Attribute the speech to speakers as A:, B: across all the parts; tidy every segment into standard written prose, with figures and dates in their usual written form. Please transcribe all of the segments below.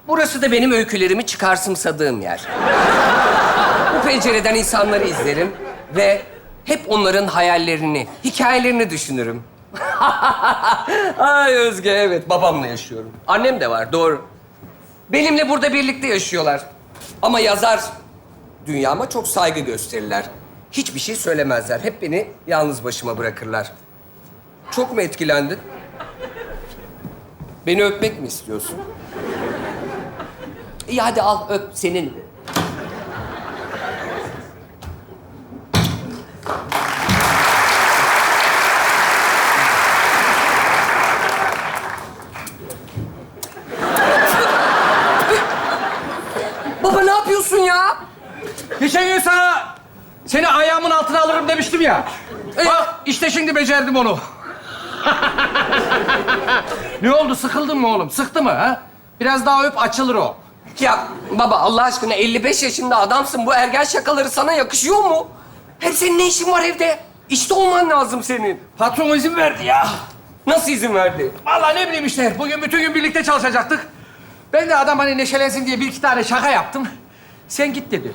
A: Burası da benim öykülerimi çıkarsımsadığım yer. Bu pencereden insanları izlerim ve hep onların hayallerini, hikayelerini düşünürüm. Ay Özge, evet. Babamla yaşıyorum. Annem de var, doğru. Benimle burada birlikte yaşıyorlar. Ama yazar dünyama çok saygı gösterirler. Hiçbir şey söylemezler. Hep beni yalnız başıma bırakırlar. Çok mu etkilendin? Beni öpmek mi istiyorsun? İyi hadi al, öp. Senin. Baba ne yapıyorsun ya?
B: Geçen gün sana seni ayağımın altına alırım demiştim ya. Bak işte şimdi becerdim onu. Ne oldu? Sıkıldın mı oğlum? Sıktı mı ha? Biraz daha öp açılır o.
A: Ya baba Allah aşkına 55 yaşında adamsın. Bu ergen şakaları sana yakışıyor mu? Hem senin ne işin var evde? İşte olman lazım senin.
B: Patron izin verdi ya.
A: Nasıl izin verdi?
B: Vallahi ne bileyim işte. Bugün bütün gün birlikte çalışacaktık. Ben de adam hani neşelensin diye bir iki tane şaka yaptım. Sen git dedi.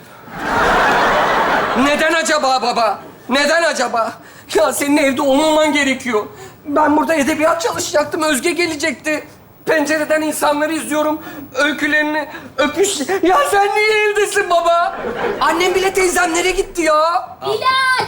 A: Neden acaba baba? Neden acaba? Ya senin evde olmaman gerekiyor. Ben burada edebiyat çalışacaktım. Özge gelecekti. Pencereden insanları izliyorum. Öykülerini, öpüş... Ya sen niye evdesin baba? Annem bile teyzemlere gitti ya.
C: Bilal!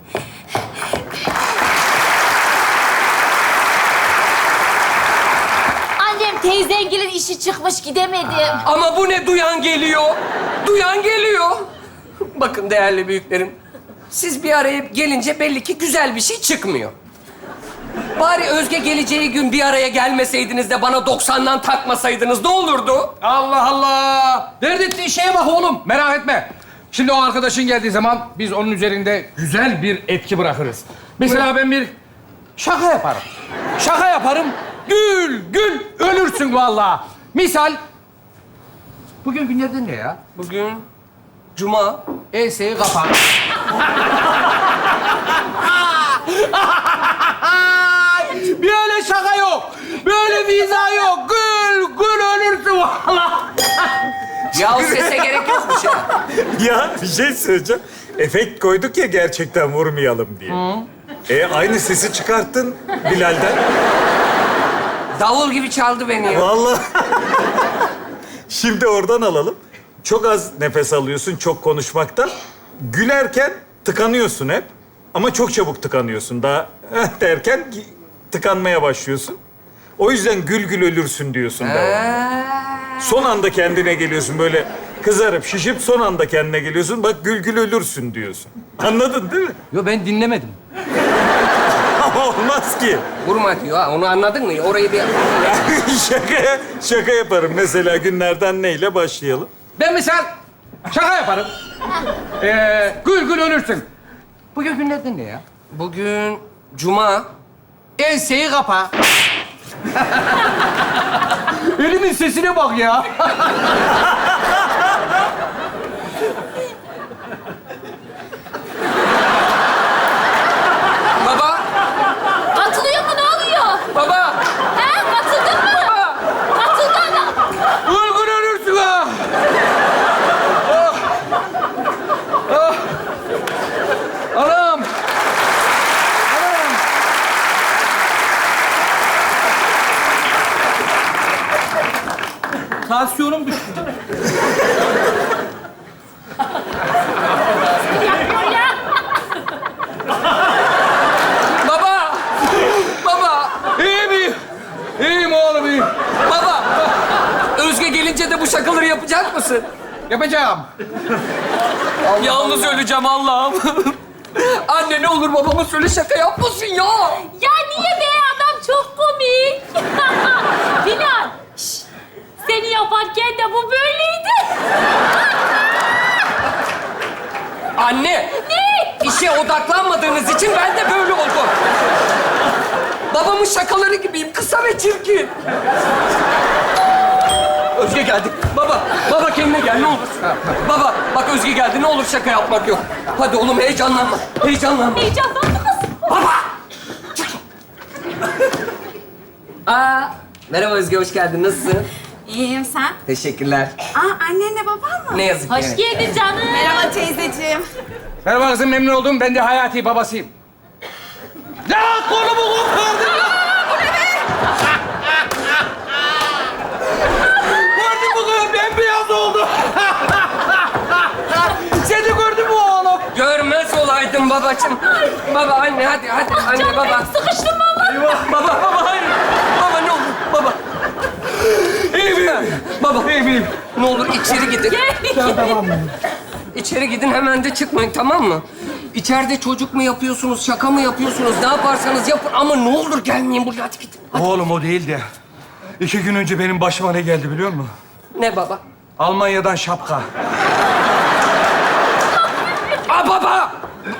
C: Annem teyzengilin işi çıkmış gidemedim.
A: Ama bu ne? Duyan geliyor. Duyan geliyor. Bakın değerli büyüklerim. Siz bir araya gelince belli ki güzel bir şey çıkmıyor. Bari Özge geleceği gün bir araya gelmeseydiniz de bana 90'dan takmasaydınız ne olurdu?
B: Allah Allah! Dert ettiğin şeye bak oğlum. Merak etme. Şimdi o arkadaşın geldiği zaman biz onun üzerinde güzel bir etki bırakırız. Mesela ben bir şaka yaparım. Şaka yaparım. Gül, gül ölürsün vallahi. Misal, bugün günlerden ne ya?
A: Bugün Cuma.
B: Enseyi kapan. Böyle şaka yok. Böyle viza yok. Gül, gül ölürsün vallahi.
A: Ya o sese gerek yokmuş ya.
D: Ya bir şey söyleyeceğim. Efekt koyduk ya gerçekten vurmayalım diye. Aynı sesi çıkarttın Bilal'den.
A: Davul gibi çaldı beni ya.
D: Vallahi. Şimdi oradan alalım. Çok az nefes alıyorsun çok konuşmaktan. Gülerken tıkanıyorsun hep. Ama çok çabuk tıkanıyorsun. Daha derken tıkanmaya başlıyorsun. O yüzden gül gül ölürsün diyorsun devamlı. Son anda kendine geliyorsun böyle kızarıp şişip son anda kendine geliyorsun. Bak gül gül ölürsün diyorsun. Anladın değil mi?
B: Yo ben dinlemedim.
D: Ama olmaz ki.
A: Vurma diyor ha. Onu anladın mı? Orayı bir...
D: Şaka yaparım. Mesela günlerden neyle başlayalım?
B: Ben misal şaka yaparım. Gül gül ölürsün. Bugün günlerden ne ya?
A: Bugün Cuma.
B: Enseyi kapa. Elimin sesine bak ya.
A: Baba.
C: Atılıyor mu? Ne oluyor?
A: Baba.
C: He? Atıldın mı?
A: Baba.
C: Atıldın mı?
B: Gül gül ölürsün ha. Oh. Oh. Anam. Anam. Tansiyonum düştü.
C: Yapıyor ya.
A: Baba. Baba.
B: İyiyim. İyiyim oğlum iyiyim.
A: Baba. Özge gelince de bu şakaları yapacak mısın?
B: Yapacağım.
A: Yalnız öleceğim Allah'ım. Anne ne olur babama söyle şaka yapmasın ya.
C: Ya niye be? Adam çok komik. Bilal. şş, Seni yaparken de bu böyleydi.
A: Anne.
C: Ne?
A: İşe odaklanmadığınız için ben de böyle oldum. Babamın şakaları gibiyim. Kısa ve çirkin. Özge geldi. Baba kendine gel ne olur. Baba bak Özge geldi. Ne olur şaka yapmak yok. Hadi oğlum heyecanlanma. Heyecanlanma.
C: Heyecanlandı kız.
A: Baba! Merhaba Özge, hoş geldin. Nasılsın?
E: İyiyim sen?
A: Teşekkürler.
E: Aa annenle baban mı?
A: Ne yazık ki.
C: Hoş geldin canım.
E: Merhaba teyzeciğim.
B: Merhaba kızım, memnun oldum. Ben de Hayati babasıyım. Ya kolumu kopardın ya! Gördün mü kızım? Bembeyaz oldu. Seni gördün mü oğlum?
A: Görmez olaydın babacığım. Baba, anne, hadi anne,
C: Canım
A: baba.
C: benim sıkıştım valla.
A: Baba, hayır. Baba ne olur, baba.
B: İyi miyim?
A: Baba,
B: İyi miyim?
A: ne olur içeri gidin.
B: Tamam mı?
A: İçeri gidin, hemen de çıkmayın, tamam mı? İçeride çocuk mu yapıyorsunuz, şaka mı yapıyorsunuz? Ne yaparsanız yapın ama ne olur gelmeyin buraya, hadi gidin.
B: Oğlum o değil de 2 gün önce benim başıma ne geldi biliyor musun?
A: Ne baba?
B: Almanya'dan şapka.
A: Aa baba!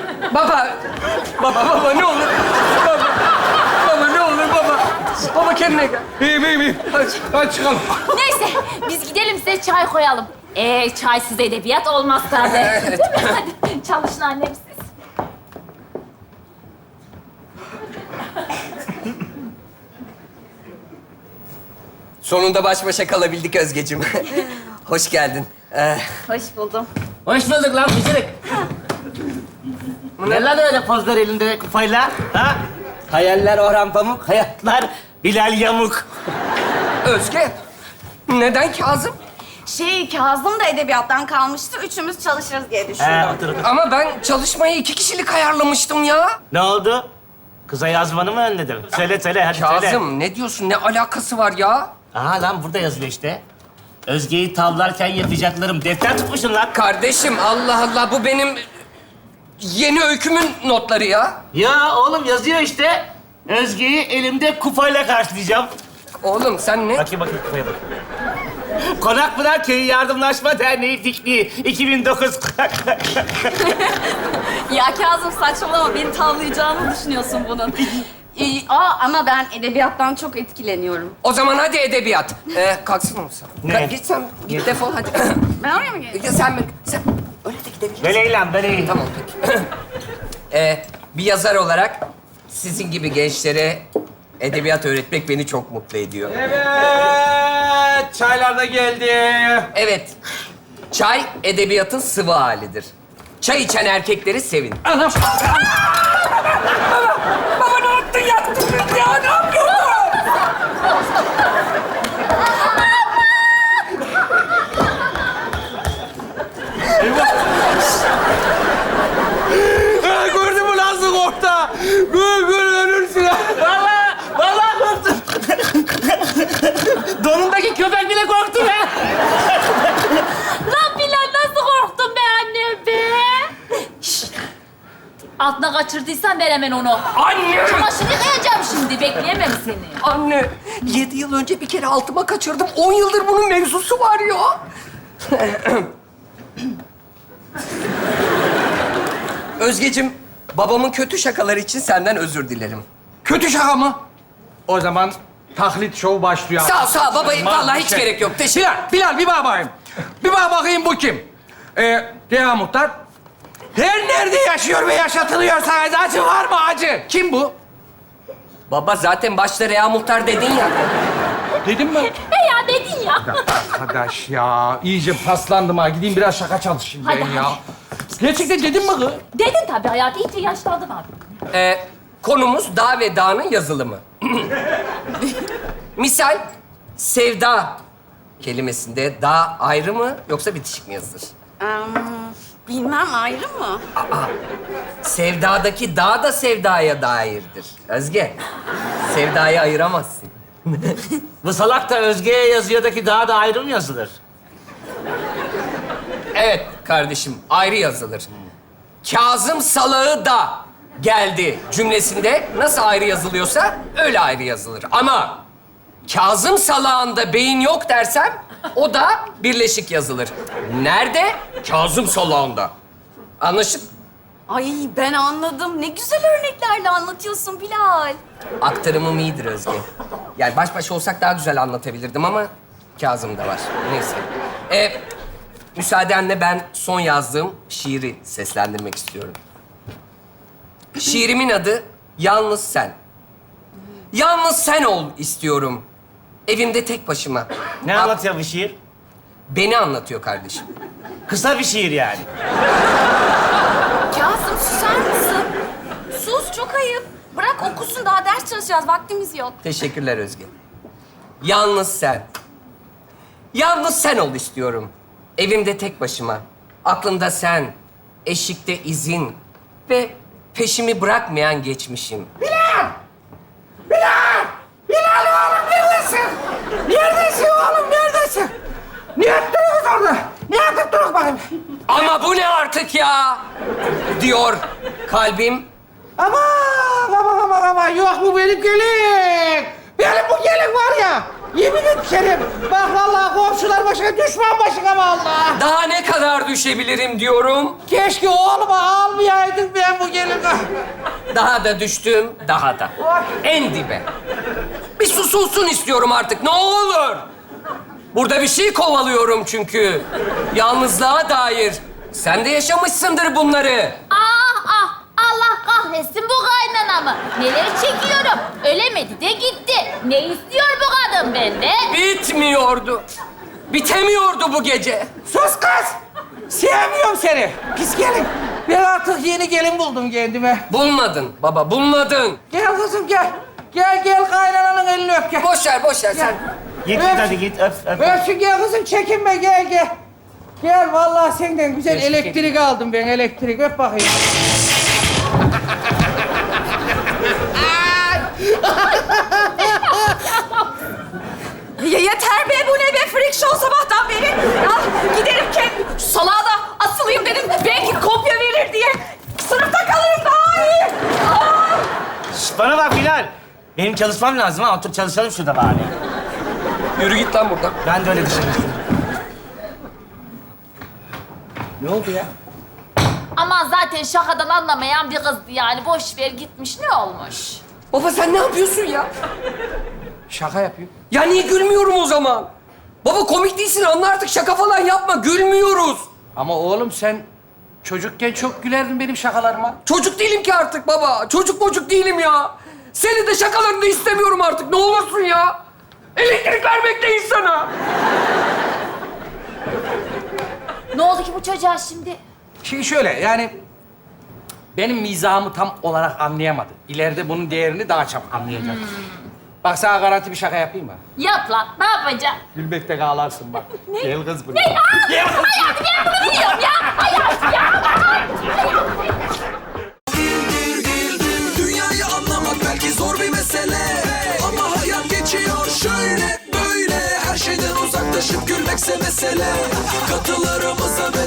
A: Baba ne olur. Baba ne olur baba. Baba kendine gel.
B: İyiyim. Hadi çıkalım.
C: Neyse biz gidelim size çay koyalım. Çaysız edebiyat olmaz tabii.
A: Evet.
C: Değil mi? Hadi çalışın annem siz.
A: Sonunda baş başa kalabildik Özgeciğim. Hoş geldin.
E: Hoş buldum.
F: Hoş bulduk lan Bıcırık. Ne lan öyle pozlar elinde kupayla? Ha? Hayaller Orhan Pamuk, hayatlar Bilal Yamuk.
A: Özge, neden Kazım?
E: Kazım da edebiyattan kalmıştı. Üçümüz çalışırız diye düşündüm.
F: Otur otur.
A: Ama ben çalışmayı 2 kişilik ayarlamıştım ya.
F: Ne oldu? Kıza yazmanı mı önledim? Söyle hadi söyle.
A: Kazım, ne diyorsun? Ne alakası var ya?
F: Aha lan burada yazıyor işte. Özge'yi tavlarken yapacaklarım. Defter tutmuşsun lan.
A: Kardeşim, Allah Allah, bu benim yeni öykümün notları ya.
F: Ya oğlum yazıyor işte. Özge'yi elimde kupayla karşılayacağım.
A: Oğlum sen ne?
F: Bakayım kupaya bak. Konakpınar Köyü Yardımlaşma Derneği Dikliği 2009.
E: Ya Kazım saçmalama. Beni tavlayacağını düşünüyorsun bunun. Ama ben edebiyattan çok etkileniyorum.
A: O zaman hadi edebiyat. Kalksın mısın?
F: Ne?
A: Git sen, git defol hadi.
E: Ben oraya mı geleyim?
A: Ya sen öyle de gidebilirsin.
F: Böyle lan böyle.
A: Tamam peki. Bir yazar olarak sizin gibi gençlere edebiyat öğretmek beni çok mutlu ediyor.
B: Evet, çaylar da geldi.
A: Evet, çay edebiyatın sıvı halidir. Çay içen erkekleri sevin.
B: Anam.
A: Baba ne yaptın, yaktın beni ya, ne yapıyorsun?
B: Ha, gördün mü nasıl korktu? Gül ölürsün ha.
F: Vallahi korktum. Donundaki köpek bile korktu be.
C: Lan Bilal nasıl korktun be annem be? Şşt! Altına kaçırdıysan ver hemen onu.
A: Anne!
C: Çamaşır yıkayacağım şimdi. Bekleyemem seni.
A: Anne, 7 yıl önce bir kere altıma kaçırdım. 10 yıldır bunun mevzusu var ya. Özgeciğim, babamın kötü şakaları için senden özür dilerim.
B: Kötü şaka mı? O zaman taklit show başlıyor.
A: Sağ ol baba. Vallahi hiç
B: Şey.
A: gerek yok. Teşekkür.
B: Bilal bir bak bakayım. Bir bak bakayım bu kim? Reha Muhtar. Her nerede yaşıyor ve yaşatılıyorsa acı var mı acı? Kim bu?
A: Baba zaten başta Reha Muhtar dedin ya.
B: Dedim mi?
C: Ya dedin ya.
B: Arkadaş ya, iyice paslandım ha. Gideyim biraz şaka çalışayım
C: Hadi,
B: ben ya.
C: hadi.
B: Gerçekten dedim mi kız?
C: Dedin tabii hayatı. İyice yaşlandın abi.
A: Konumuz dağ ve dağının yazılımı. Misal, sevda kelimesinde dağ ayrı mı yoksa bitişik mi yazılır?
E: Bilmem ayrı mı?
A: Sevdadaki dağ da sevdaya dairdir. Özge, sevdayı ayıramazsın.
F: Bu salak da Özge'ye yazıyordaki daha da ayrı mı yazılır?
A: Evet kardeşim, ayrı yazılır. Kazım salağı da geldi cümlesinde nasıl ayrı yazılıyorsa öyle ayrı yazılır. Ama Kazım salağında beyin yok dersem o da birleşik yazılır. Nerede? Kazım salağında. Anlaşıp
E: Ay ben anladım. Ne güzel örneklerle anlatıyorsun Bilal.
A: aktarımım iyidir Özge. Yani baş başa olsak daha güzel anlatabilirdim ama Kazım da var. Neyse. Müsaadenle ben son yazdığım şiiri seslendirmek istiyorum. Şiirimin adı Yalnız Sen. Yalnız sen ol istiyorum. Evimde tek başıma.
F: Ne anlatıyor bu şiir?
A: Beni anlatıyor kardeşim.
F: Kısa bir şiir yani.
E: Kazım susar mısın? Sus, çok ayıp. Bırak okusun, daha ders çalışacağız. Vaktimiz yok.
A: Teşekkürler Özge. Yalnız sen. Yalnız sen ol istiyorum. Evimde tek başıma. Aklımda sen, eşikte izin ve peşimi bırakmayan geçmişim.
B: Bilal oğlum neredesin? Neredesin oğlum neredesin? Ne yaptınız orada? Ne yaptık duruk bakayım?
A: Ama bu ne artık ya? Diyor kalbim.
B: Aman yok bu benim gelin. Benim bu gelin var ya. Yemin ederim. Bak vallahi komşular başına düşman başına vallahi.
A: Daha ne kadar düşebilirim diyorum.
B: Keşke oğluma almayaydım ben bu gelini.
A: Daha da düştüm, daha da. En dibe. Bir susulsun istiyorum artık, ne olur. Burada bir şey kovalıyorum çünkü. Yalnızlığa dair. Sen de yaşamışsındır bunları.
C: Ah ah! Allah kahretsin bu kaynanamı. Neler çekiyorum. Ölemedi de gitti. Ne istiyor bu kadın benden?
A: Bitmiyordu. Bitemiyordu bu gece.
B: Sus kız. Sevmiyorum seni. Pis gelin. Ben artık yeni gelin buldum kendime.
A: Bulmadın baba, bulmadın.
B: Gel kızım gel. Gel kaynananın elini öp gel.
A: Boş ver sen.
F: Git
B: Öp.
F: hadi git öp.
B: Öpsün gel kızım çekinme gel. Gel vallahi senden güzel elektrik aldım ben elektrik öp bakayım.
E: Ya yeter be, bu ne be? Freak show sabahtan beri. Ya giderim kendim, şu salağa da asılayım dedim. Belki kopya verir diye. Sınıfta kalırım daha iyi. Aa!
F: Şş, bana bak Bilal. Benim çalışmam lazım ha. Otur çalışalım şurada bari.
A: Yürü git lan buradan.
F: Ben de öyle düşünmüştüm. Ne oldu ya?
C: Ama zaten şakadan anlamayan bir kızdı yani. Boş ver gitmiş ne olmuş?
A: Baba sen ne yapıyorsun ya?
B: Şaka yapıyorum.
A: Ya niye gülmüyorum o zaman? Baba komik değilsin, anla artık, şaka falan yapma, gülmüyoruz.
B: Ama oğlum sen çocukken çok gülerdin benim şakalarıma.
A: Çocuk değilim ki artık baba. Çocuk değilim ya. Senin de şakalarını da istemiyorum artık. Ne olursun ya. Elektrik vermekteyiz sana.
C: Ne oldu ki bu çocuğa şimdi?
B: Şimdi şöyle yani benim mizahımı tam olarak anlayamadı. İleride bunun değerini daha çabuk anlayacak. Bak sana garanti bir şaka yapayım mı?
C: Yap lan ne yapacaksın?
B: Gülmekte ağlarsın bak. Gel kız buraya.
C: Hayatım ben bunu biliyorum ya. Hayatım ya.
G: Dünyayı anlamak belki zor bir mesele, ama hayat geçiyor şöyle böyle. Her şeyden uzaklaşıp gülmekse mesele. Katılarımıza